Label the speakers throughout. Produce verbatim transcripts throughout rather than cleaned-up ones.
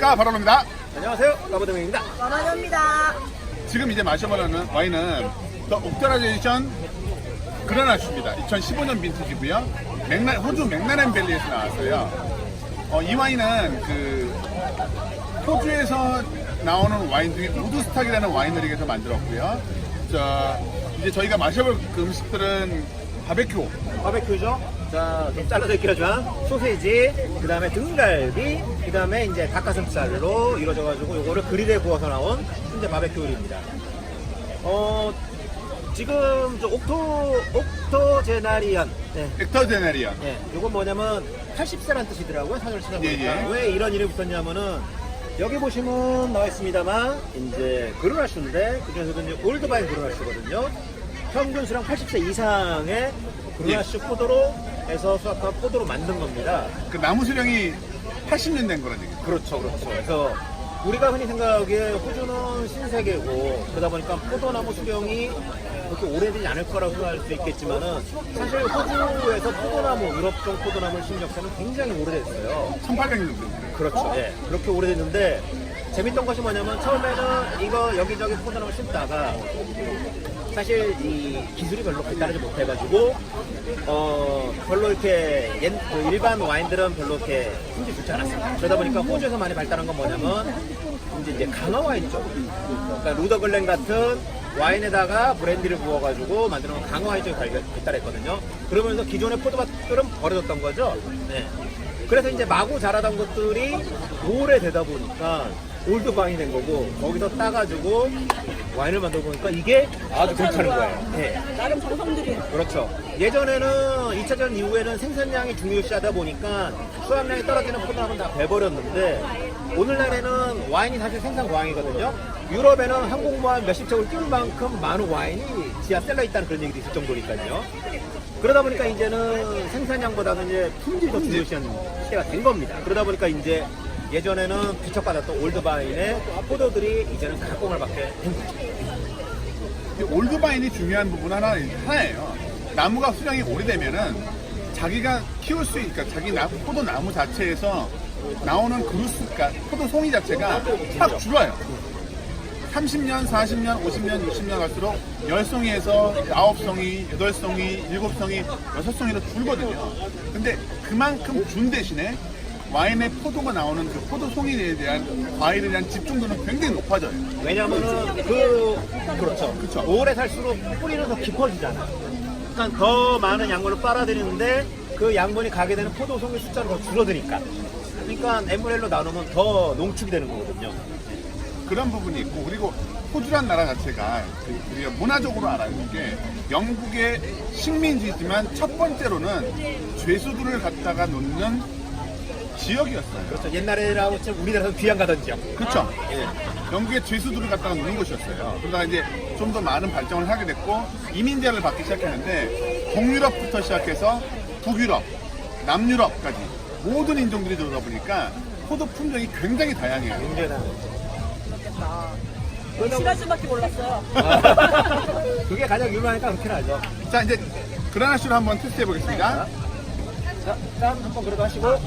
Speaker 1: 안녕하십니까, 바로입니다.
Speaker 2: 안녕하세요, 까보드명입니다.
Speaker 3: 원원입니다.
Speaker 1: 지금 이제 마셔보는 와인은 더 옥터라제이션 그라나슈입니다. 이천십오 년 빈티지고요. 맥라, 호주 맥라렌밸리에서 나왔어요. 어, 이 와인은 그 호주에서 나오는 와인 중에 우드스탁이라는 와이너리에서 만들었고요. 자, 이제 저희가 마셔볼 그 음식들은 바베큐,
Speaker 2: 바베큐죠. 자, 좀 잘라져 있긴 하지만 소세지, 그 다음에 등갈비, 그 다음에 이제 닭가슴살로 이루어져가지고 요거를 그릴에 구워서 나온 순대 바베큐 요리입니다. 어, 지금 저 옥토, 옥토제나리안. 네.
Speaker 1: 엑터제네리언.
Speaker 2: 네, 요건 뭐냐면 팔십 세란 뜻이더라고요, 사전을 찾아보니까.
Speaker 1: 예, 예.
Speaker 2: 왜 이런 이름이 붙었냐면은 여기 보시면 나와 있습니다만 이제 그루나슈인데 그중에서도 이제 올드바인 그루나슈거든요. 평균 수량 팔십 세 이상의 그루나슈
Speaker 1: 예.
Speaker 2: 포도로 해서 수확한 포도로 만든 겁니다.
Speaker 1: 그 나무 수령이 팔십 년 된 거란 얘기죠.
Speaker 2: 그렇죠, 그렇죠. 그래서 우리가 흔히 생각하기에 호주는 신세계고 그러다 보니까 포도나무 수령이 그렇게 오래되지 않을 거라고 생각할 수 있겠지만은 사실 호주에서 포도나무, 유럽종 포도나무를 심은 역사는 굉장히 오래됐어요.
Speaker 1: 천팔백 년 된.
Speaker 2: 그렇죠. 예. 그렇게 오래됐는데 재밌던 것이 뭐냐면 처음에는 이거 여기저기 포도나무 심다가 사실 이 기술이 별로 발달하지 못해가지고 어 별로 이렇게 옛, 그 일반 와인들은 별로 이렇게 힘이 좋지 않았어요. 그러다 보니까 호주에서 많이 발달한 건 뭐냐면 이제, 이제 강화 와인 쪽, 그러니까 루더글렌 같은 와인에다가 브랜디를 부어가지고 만드는 강화 와인 쪽이 발달- 발달했거든요. 그러면서 기존의 포도밭들은 버려졌던 거죠. 네. 그래서 이제 마구 자라던 것들이 오래되다 보니까 올드바인이 된 거고 거기서 따가지고 와인을 만들어 보니까 이게 아주 괜찮은 거예요. 네.
Speaker 3: 나름 정성 들인.
Speaker 2: 그렇죠. 예전에는 이 차 대전 이후에는 생산량이 중요시하다 보니까 수확량이 떨어지는 포도나무는 다 베버렸는데 오늘날에는 와인이 사실 생산 과잉이거든요. 유럽에는 항공모함 몇십 척을 띄울 만큼 많은 와인이 지하 셀러에 있다는 그런 얘기도 있을 정도니까요. 그러다 보니까 이제는 생산량보다는 이제 품질이 더 중요시하는 시대가 된 겁니다. 그러다 보니까 이제 예전에는 비척받았던 올드바인의 포도들이 이제는 가공을 받게 된 거죠.
Speaker 1: 이 올드바인이 중요한 부분 하나, 하나예요. 나무가 수령이 오래되면은 자기가 키울 수 있으니까 자기 나, 포도 나무 자체에서 나오는 그루스가 포도 송이 자체가 확 줄어요. 삼십 년, 사십 년, 오십 년, 육십 년 갈수록 열 송이에서 아홉 송이, 여덟 송이, 일곱 송이, 여섯 송이로 줄거든요. 근데 그만큼 준 대신에 와인의 포도가 나오는 그 포도 송이에 대한 과일에 대한 집중도는 굉장히 높아져요.
Speaker 2: 왜냐면은 그 그렇죠.
Speaker 1: 그쵸.
Speaker 2: 오래 살수록 뿌리는 더 깊어지잖아. 그러니까 더 많은 양분을 빨아들이는데 그 양분이 가게 되는 포도송이 숫자는 더 줄어드니까. 그러니까 엠브렐로 나누면 더 농축이 되는 거거든요.
Speaker 1: 그런 부분이 있고, 그리고 호주란 나라 자체가 그 우리가 문화적으로 알아는 게 영국의 식민지지만 첫 번째로는 죄수들을 갖다가 놓는 지역이었어요.
Speaker 2: 그렇죠. 옛날에라고 치면 우리나라에서 귀양 가던 지역.
Speaker 1: 그렇죠.
Speaker 2: 예.
Speaker 1: 영국의 죄수들을 갖다가 놓는 곳이었어요. 그러다가 이제 좀 더 많은 발전을 하게 됐고 이민자를 받기 시작했는데 동유럽부터 시작해서 북유럽, 남유럽까지 모든 인종들이 들어오다 보니까 포도 품종이 굉장히 다양해요.
Speaker 2: 굉장히 다르죠.
Speaker 3: 시라즈밖에 몰랐어요.
Speaker 2: 그게 가장 유명하니까 그렇게 하죠.
Speaker 1: 자, 이제 그라나슈를 한번 테스트해 보겠습니다.
Speaker 2: 자, 짠 한번 그래도 하시고.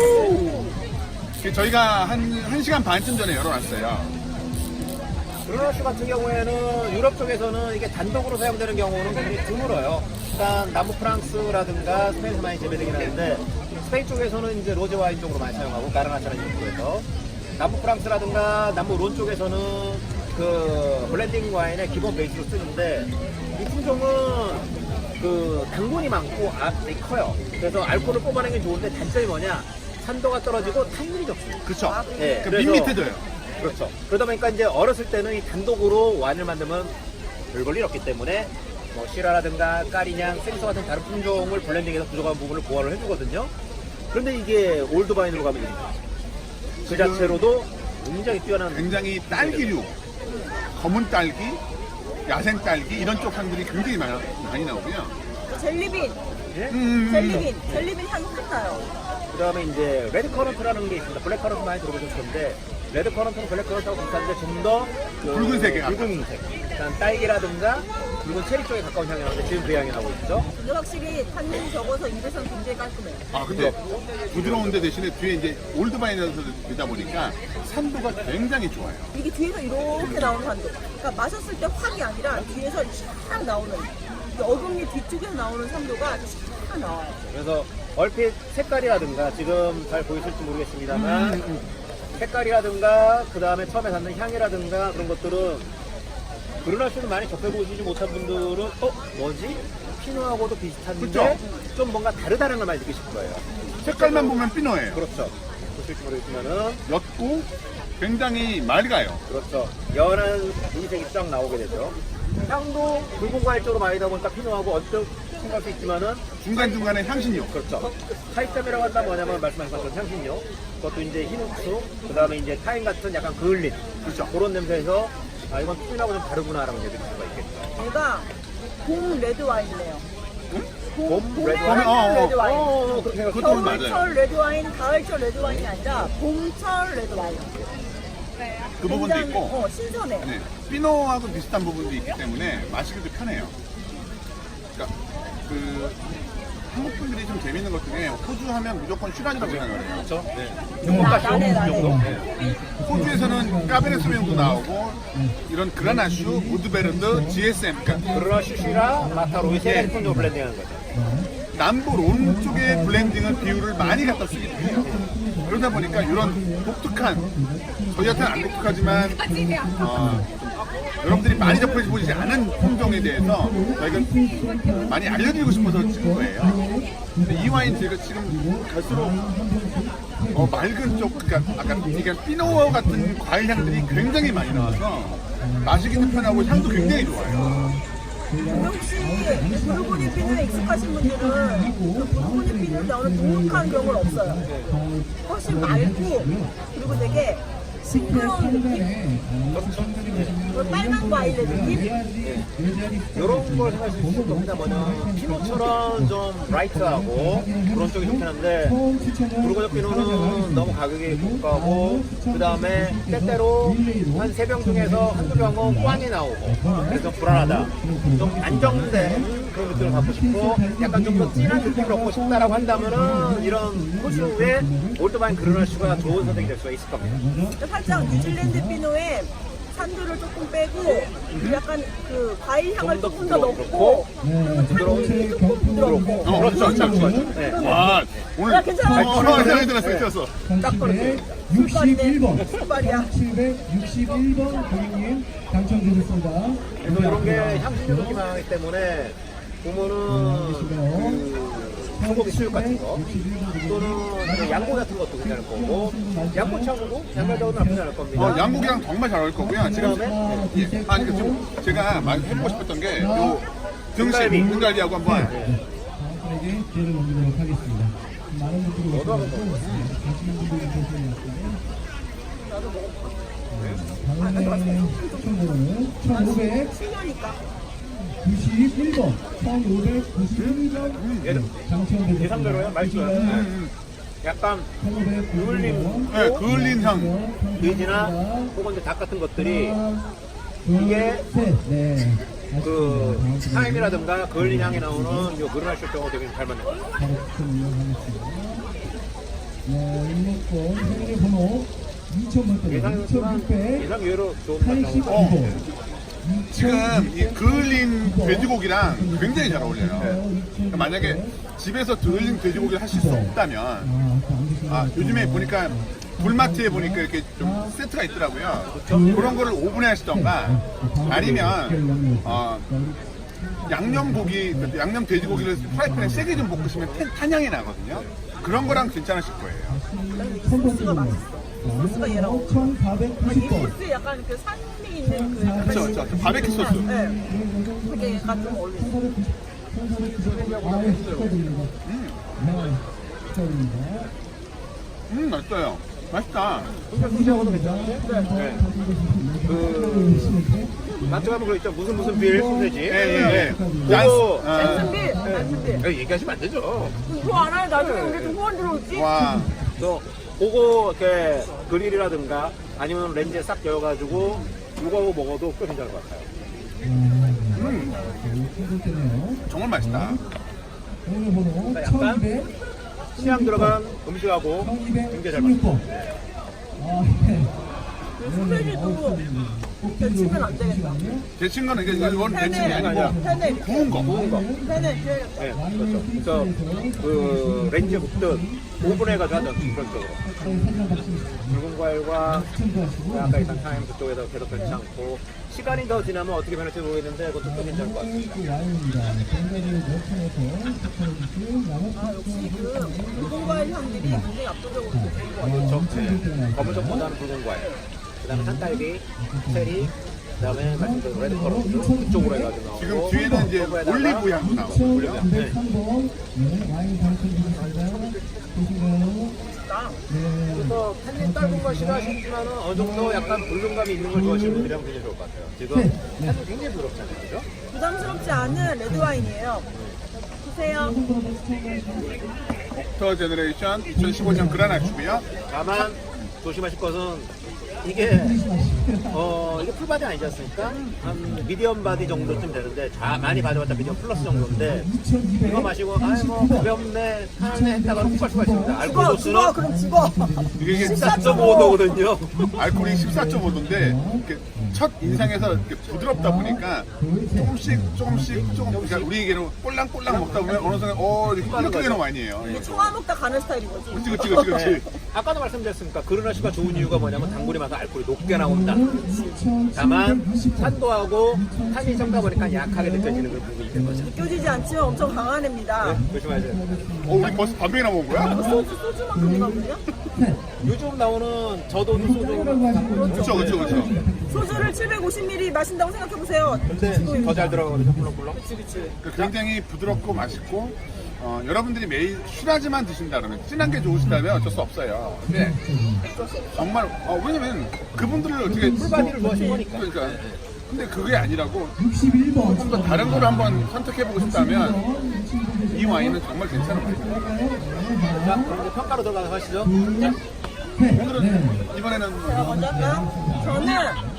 Speaker 1: 저희가 한, 한 시간 반쯤 전에 열어놨어요.
Speaker 2: 그루나슈 같은 경우에는 유럽 쪽에서는 이게 단독으로 사용되는 경우는 굉장히 드물어요. 일단 남부 프랑스라든가 스페인에서 많이 재배되긴 하는데 스페인 쪽에서는 이제 로제 와인 쪽으로 많이 사용하고 가르나차라는 이름으로 남부 프랑스라든가 남부 론 쪽에서는 그 블렌딩 와인의 기본 베이스로 쓰는데 이 품종은 그 당분이 많고 아, 커요. 그래서 알코올을 뽑아내는 게 좋은데 단점이 뭐냐? 산도가 떨어지고 탄닌이 적습니다.
Speaker 1: 그쵸?
Speaker 2: 네,
Speaker 1: 그
Speaker 2: 그래서-
Speaker 1: 밋밋해져요.
Speaker 2: 그렇죠. 그러다 보니까 이제 어렸을 때는 이 단독으로 와인을 만들면 별 볼 일 없기 때문에 뭐 시라라든가 까리냥, 생서 같은 다른 품종을 블렌딩해서 부족한 부분을 보완을 해주거든요. 그런데 이게 올드바인으로 가면 그 자체로도 굉장히 뛰어난
Speaker 1: 굉장히 딸기류, 검은 딸기, 야생 딸기 이런 쪽 향들이 굉장히 많이, 많이 나오고요.
Speaker 3: 젤리빈.
Speaker 2: 예?
Speaker 1: 음,
Speaker 3: 젤리빈. 젤리빈 향 확 나요.
Speaker 2: 그 다음에 이제 레드 커런트라는 게 있습니다. 블랙 커런트 많이 들어보셨을 텐데 레드 커런트는 블랙 커런트하고 비슷한데 좀 더 그
Speaker 1: 붉은색에 가까워.
Speaker 2: 붉은색. 일단 딸기라든가 붉은 체리 쪽에 가까운 향이 나는데 지금 그 향이 나고 있죠.
Speaker 3: 근데 확실히 탄닌이 적어서 입에서는 굉장히 깔끔해요.
Speaker 1: 아 근데 부드러운데 대신에 뒤에 이제 올드바인에서 되다 보니까 산도가 굉장히 좋아요.
Speaker 3: 이게 뒤에서 이렇게 나오는 산도. 그러니까 마셨을 때 확이 아니라 뒤에서 쫙 나오는 이 어금니 뒤쪽에서 나오는 산도가 쫙 나와요.
Speaker 2: 그래서 얼핏 색깔이라든가 지금 잘 보이실지 모르겠습니다만
Speaker 1: 음,
Speaker 2: 색깔이라든가 그 다음에 처음에 갖는 향이라든가 그런 것들은 그르나슈는 많이 접해보시지 못한 분들은 어? 뭐지? 피노하고도 비슷한데
Speaker 1: 그쵸?
Speaker 2: 좀 뭔가 다르다는 걸 많이 느끼실 거예요.
Speaker 1: 색깔만 보면 피노예요.
Speaker 2: 그렇죠. 보실지 모르겠지만은
Speaker 1: 옅고 굉장히 맑아요.
Speaker 2: 그렇죠. 연한 무색이 쫙 나오게 되죠. 향도 붉은 과일 쪽으로 많이 다 보니까 피노하고 언뜻 생각할 수 있지만은
Speaker 1: 중간중간에 향신료.
Speaker 2: 그렇죠. 차이점이라고 한다면 뭐냐면 말씀하신 것처럼 향신료, 그것도 이제 흰후추, 그 다음에 이제 타임 같은 약간 그을린
Speaker 1: 그렇죠.
Speaker 2: 그런 냄새에서 아 이건 피노하고 좀 다르구나라고 얘기할 수가 있겠죠.
Speaker 3: 얘가 봄 레드 와인이네요. 봄,
Speaker 2: 봄
Speaker 3: 봄에
Speaker 2: 레드
Speaker 3: 하는
Speaker 1: 와인? 어,
Speaker 3: 레드 와인.
Speaker 2: 어, 어, 그렇게 생각해요.
Speaker 1: 그것도 맞아요.
Speaker 3: 겨울철 레드 와인, 가을철 레드 와인이 아니라 봄철 레드 와인.
Speaker 1: 그 부분도
Speaker 3: 굉장히,
Speaker 1: 있고
Speaker 3: 어, 신선해.
Speaker 1: 네, 피노하고 비슷한 부분도 있기 때문에 마시기도 편해요. 그러니까 그 한국 분들이 좀 재밌는 것 중에 호주 하면 무조건 슈란이라고 생각을 해요.
Speaker 2: 그렇죠. 네.
Speaker 3: 나, 나네, 나네.
Speaker 2: 네.
Speaker 1: 호주에서는 까베르 소명도 나오고 이런 그라나슈, 무드베르드, 지에스엠 그러니까
Speaker 2: 그러나 슈슈라 마타로이 세 가지 품종을 블렌딩하는 거죠.
Speaker 1: 남부 론 쪽의 블렌딩을 비율을 많이 갖다 쓰기 때문에 그러다 보니까 이런 독특한 저희한테는 안 독특하지만 어, 여러분들이 많이 접해보지 않은 품종에 대해서 저희가 많이 알려드리고 싶어서 찍은 거예요. 근데 이 와인 제가 지금 갈수록 어, 맑은 쪽, 그러니까 아까 이게 피노 같은 과일 향들이 굉장히 많이 나와서 마시기도 편하고 향도 굉장히 좋아요.
Speaker 3: 근데 혹시 부르고니 피노에 익숙하신 분들은 그 부르고니 피노에 나오는 독특한 경우는 없어요. 훨씬 맑고 그리고 되게 싱그러운 느낌? 그리고 빨간 과일의 느낌?
Speaker 2: 이런 걸 생각할 수 있을 겁니다. 뭐냐 피노처럼 좀 라이트하고 그런 쪽이 좋긴 한데 부르고니 피노는 너무 가격이 고가고 그 다음에 때때로 한 세 병 중에서 한두 병은 꽝이 나오고 그래서 불안하다. 좀 안정된 그런 느낌을 갖고 싶고 약간 좀 더 진한 느낌을 얻고 싶다라고 한다면은 이런 호주의 올드바인 그르나슈가 좋은 선택이 될 수가 있을 겁니다.
Speaker 3: 살짝 뉴질랜드 피노에 산도를 조금 빼고 약간 그 과일 향을
Speaker 2: 좀 더
Speaker 3: 조금 더 넣고
Speaker 2: 부드럽고,
Speaker 3: 그리고 탄닌이 조금 부드럽고
Speaker 1: 어,
Speaker 2: 그렇죠,
Speaker 1: 그렇죠,
Speaker 2: 그렇죠. 네.
Speaker 1: 와, 오늘
Speaker 3: 야, 괜찮아.
Speaker 1: 어, 어, 생각이 들었어, 들었어.
Speaker 2: 딱 그렇습니다.
Speaker 4: 육십일 번
Speaker 3: 술발이야.
Speaker 4: 칠백육십일 번 고객님 당첨되셨습니다.
Speaker 2: 그래서 이런 게 향신료 느낌이 나기 때문에 보면은 그 소고기 수육 같은 거 또는 이제 양고 같은 것도 괜찮을 거고 양고창도 양갈자고도 나쁘지 않을 겁니다.
Speaker 1: 어, 양고기랑 정말 잘 어울릴 거고요. 지금 예, 아니 그 지금 제가 많이 해보고 싶었던 게 요 등심
Speaker 2: 등갈비.
Speaker 1: 등갈비하고 한번
Speaker 4: 다음에게 기회를 넘기도록 하겠습니다. 많은 분들이 오셔가지고 가시는 분들이 계시는데 다음에 총으로는 천오백구십일
Speaker 3: 칠 년이니까.
Speaker 4: 번 천오백구십일 번 당첨되셨습니다.
Speaker 2: 예상대로요? 맛있어요.
Speaker 1: 음,
Speaker 2: 약간
Speaker 4: 천오백구십일 번
Speaker 1: 네, 그을린 향.
Speaker 2: 돼지나 혹은 이제 닭 같은 것들이 이게
Speaker 4: 네.
Speaker 2: 그 타임이라든가 그을린 향이 나오는 요 그르나슈 쪽하고 되게 잘 맞는 것 같아요.
Speaker 4: 바로 추첨 이용하겠습니다. 네, 일목권 현재번호 이천 번대
Speaker 2: 예상이지만
Speaker 4: 이천육백
Speaker 2: 예상 외로 좋은 맛
Speaker 4: 팔십구
Speaker 2: 나오고
Speaker 4: 번
Speaker 1: 지금 이 그을린 돼지고기랑 굉장히 잘 어울려요. 그러니까 만약에 집에서 그을린 돼지고기를 하실 수 없다면 아, 요즘에 보니까 불마트에 보니까 이렇게 좀 세트가 있더라고요. 그런 거를 오븐에 하시던가 아니면 어, 양념고기, 양념 돼지고기를 프라이팬에 세게 좀 볶으시면 탄- 탄향이 나거든요. 그런 거랑 괜찮으실 거예요.
Speaker 3: 이 소스가 맛있어. 이 소스가 얘랑 어울려. 이
Speaker 4: 천사백구십 번
Speaker 3: 소스에 약간 그 산미 있는 그 약간
Speaker 1: 그쵸, 그쵸. 바베큐 소스.
Speaker 3: 네. 그게 약간 좀 어울리죠.
Speaker 4: 아, 축하드립니다. 네, 축하드립니다.
Speaker 1: 음, 맛있어요. 맛있다.
Speaker 2: 소스하고도 괜찮은데? 네. 그 마트 가면 그거 있죠. 무슨 무슨 빌 소세지.
Speaker 1: 예, 예, 예.
Speaker 2: 그거
Speaker 3: 잔슨빌, 잔슨빌.
Speaker 2: 야, 얘기하시면 안 되죠.
Speaker 3: 그거 알아요? 나중에 우리 좀 후원 들어올지?
Speaker 1: 와,
Speaker 2: 또 그거 이렇게 그릴이라든가 아니면 렌즈에 싹 여어가지고 이거하고 먹어도 꽤 괜찮을 것 같아요.
Speaker 1: 음,
Speaker 4: 되네요.
Speaker 1: 정말 맛있다.
Speaker 4: 오늘 번호
Speaker 2: 약간
Speaker 4: 천이백
Speaker 2: 취향 들어간 음식하고 굉장히 잘 맞습니다.
Speaker 4: 천이백십육 번. 아, 네.
Speaker 3: 소세지도 데치면 안 되겠다.
Speaker 1: 제 친구는 이게 이건 내 친구
Speaker 3: 팬에
Speaker 1: 아니고
Speaker 3: 팬에
Speaker 1: 구운 거.
Speaker 2: 구운 거.
Speaker 3: 팬에 줘야겠다.
Speaker 2: 네, 그렇죠. 그래서 그 렌즈에 굽듯 오븐해가지고 하던 그런 쪽으로. 붉은 과일과 아까 있던 타임 그쪽에서 계속 변치 않고 시간이 더 지나면 어떻게 변할지 모르겠는데 그것도 또 괜찮을 것 같습니다.
Speaker 3: 아 역시 그 붉은 과일 향들이 굉장히 압도적으로 좋은 것 같아요.
Speaker 2: 그렇죠. 네. 검은색보다는 붉은 과일. 그 다음에 산딸기, 체리, 그 다음에 말씀드린 레드컬러도 그쪽으로 해가지고 나오고
Speaker 1: 지금 뒤에는 이제
Speaker 2: 거기에다가
Speaker 1: 올리브 향도 나오고.
Speaker 4: 이천삼백 번 와인 당첨되셨습니다. 보시나요?
Speaker 2: 그래서 캔디 딸군 걸 싫어하시지만은 어느 정도 약간 볼륨감이 있는 걸 좋아하시는 분들이라면 굉장히 좋을 것 같아요. 지금 캔디 굉장히 부드럽잖아요. 그죠?
Speaker 3: 부담스럽지 않은 레드 와인이에요. 보세요.
Speaker 1: 옥터 제너레이션 이천십오 년 그라나슈고요.
Speaker 2: 다만 조심하실 것은 이게 어 이게 풀바디 아니지 않습니까? 한 미디엄 바디 정도쯤 되는데 자 많이 가져왔다 미디엄 플러스 정도인데 이거 마시고 아이 뭐 가볍네 편안해 했다가 훅 갈 수가 있습니다. 알코올
Speaker 3: 죽어
Speaker 2: 도수는
Speaker 3: 죽어 그럼 죽어.
Speaker 1: 이게
Speaker 2: 십사 점 오 도거든요.
Speaker 1: 알코올이 십사 점 오 도인데 첫 인상에서 이렇게 부드럽다 보니까 조금씩 조금씩 조금 그러니까 우리 얘기로 꼴랑꼴랑 먹다 보면 어느 순간 어 이렇게 끓여끓이는 와인이에요.
Speaker 3: 이게 청아 먹다 가는 스타일인 거지.
Speaker 1: 그치 그치 그치
Speaker 2: 네.
Speaker 1: 그치.
Speaker 2: 아까도 말씀드렸으니까 그르나시가 좋은 이유가 뭐냐면 당분이 많아서 알코올이 높게 나온다. 다만 산도하고 탄이 적다 보니까 약하게 느껴지는 그런 부분이 있는 거죠.
Speaker 3: 느껴지지 않지만 엄청 강한 애입니다.
Speaker 2: 네, 조심하세요.
Speaker 1: 어 우리 벌써 반 병이나 먹은 거야?
Speaker 3: 소주 소주만큼이거든요.
Speaker 2: 요즘 나오는 저도 소주
Speaker 1: 그쵸 그쵸 그쵸.
Speaker 3: 소주를 칠백오십 밀리리터 마신다고 생각해 보세요.
Speaker 2: 근데 더 잘 들어가거든요. 꿀렁꿀렁.
Speaker 3: 그치 그치.
Speaker 1: 그 굉장히 부드럽고 맛있고 어, 여러분들이 매일 술하지만 드신다 그러면 진한 게 좋으시다면 어쩔 수 없어요. 근데 정말 어, 왜냐면 그분들을 어떻게
Speaker 2: 풀바디를 좋아하시는 거니까.
Speaker 1: 그러니까 근데 그게 아니라고
Speaker 4: 육십일 번.
Speaker 1: 조금 더 다른 거를 한번 선택해보고 싶다면 이 와인은 정말 괜찮은 와인이에요.
Speaker 2: 자, 그럼 이제 평가로 들어가서 하시죠.
Speaker 1: 오늘은 이번에는
Speaker 3: 자 먼저 할까요? 저는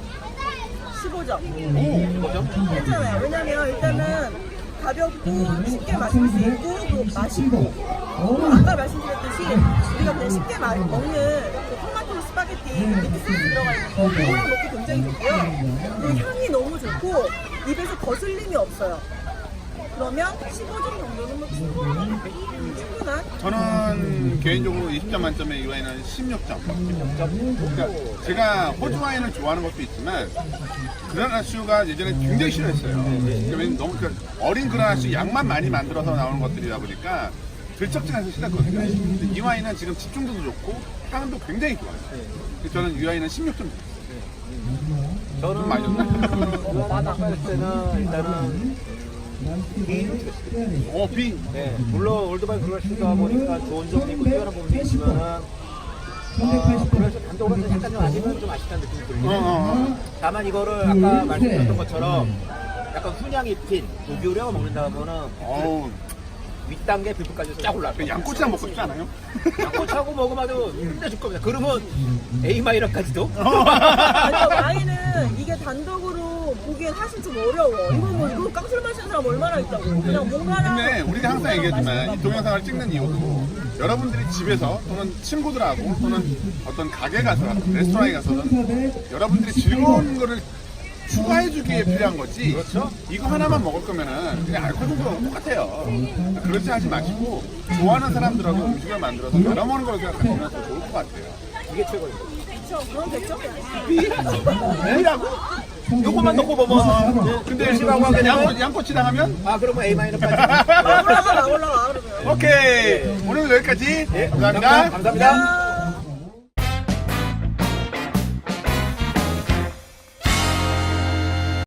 Speaker 3: 십오 점.
Speaker 2: 뭐죠?
Speaker 3: 괜찮아요. 왜냐면 일단은 가볍고 쉽게 마실 수 있고 또 맛있고 아까 말씀드렸듯이 우리가 그냥 쉽게 마, 먹는 그 토마토 스파게티 밑에 소스 들어가 있는 거 그거랑 먹기 굉장히 좋고요. 그리고 향이 너무 좋고 입에서 거슬림이 없어요. 그러면 십오 점 정도는 뭐 충분한 충분한
Speaker 1: 저는 개인적으로 이십 점 만점에 이 와인은 십육 점. 그러니까 제가 호주 와인을 좋아하는 것도 있지만 그라나슈가 예전에 굉장히 싫어했어요. 그러니까 왜냐면 너무 그 어린 그라나슈 양만 많이 만들어서 나오는 것들이다 보니까 들쩍지면서 싫었거든요. 근데 이 와인은 지금 집중도도 좋고 향도 굉장히 좋아요. 그래서 저는 이 와인은 십육 점.
Speaker 2: 저는
Speaker 1: 많이 줬나?
Speaker 2: 아까 했을 때는 일단은 B를 주겠습니다.
Speaker 1: 어, 비.
Speaker 2: 네, 물론 올드바이 그라시다 보니까 좋은 점이 있고 뛰어난 부분이 있지만은 어, 그래서 단독으로는 약간 좀 아직은 좀 아쉽다는 느낌이
Speaker 1: 어,
Speaker 2: 들리네요.
Speaker 1: 어,
Speaker 2: 다만 이거를 아까 말씀드렸던 것처럼 약간 훈향이 핀 고기우려가 먹는다 보면은
Speaker 1: 어. 어우,
Speaker 2: 윗단계 비프까지 쫙 올라갈
Speaker 1: 그
Speaker 2: 거예요.
Speaker 1: 양꼬치랑 먹고 싶지 않아요?
Speaker 2: 양꼬치하고 먹으면 아주 힘내줄 겁니다. 그러면 A 마이너까지도
Speaker 3: 아니요 와인은 이게 단독으로 보기엔 사실 좀 어려워. 이거 뭐 이거 깡술 마시는 사람 얼마나 있다고. 그냥 뭔가랑
Speaker 1: 근데 우리가 항상 얘기했지만 이 동영상을 찍는 이유도 여러분들이 집에서 또는 친구들하고 또는 어떤 가게 가서 레스토랑에 가서는 여러분들이 즐거운 거를 추가해주기에 필요한 거지.
Speaker 2: 그렇죠.
Speaker 1: 이거 하나만 먹을 거면은 그냥 알코올 정도랑 똑같아요. 그렇지 하지 마시고 좋아하는 사람들하고 음식을 만들어서 나눠 먹는 걸 생각하시면 더 좋을 것 같아요.
Speaker 2: 이게 최고입니다.
Speaker 3: 그렇죠. 그럼 됐죠.
Speaker 1: B라고?
Speaker 2: 요것만 넣고 보면 네,
Speaker 1: 근데
Speaker 2: C라고 하게 되면
Speaker 1: 양꼬, 양꼬치랑 하면
Speaker 2: 아 그러면 A 마이너까지.
Speaker 3: 올라가 올라가 그러면.
Speaker 1: 오케이. 오늘 여기까지.
Speaker 2: 네,
Speaker 1: 감사합니다.
Speaker 2: 감사합니다.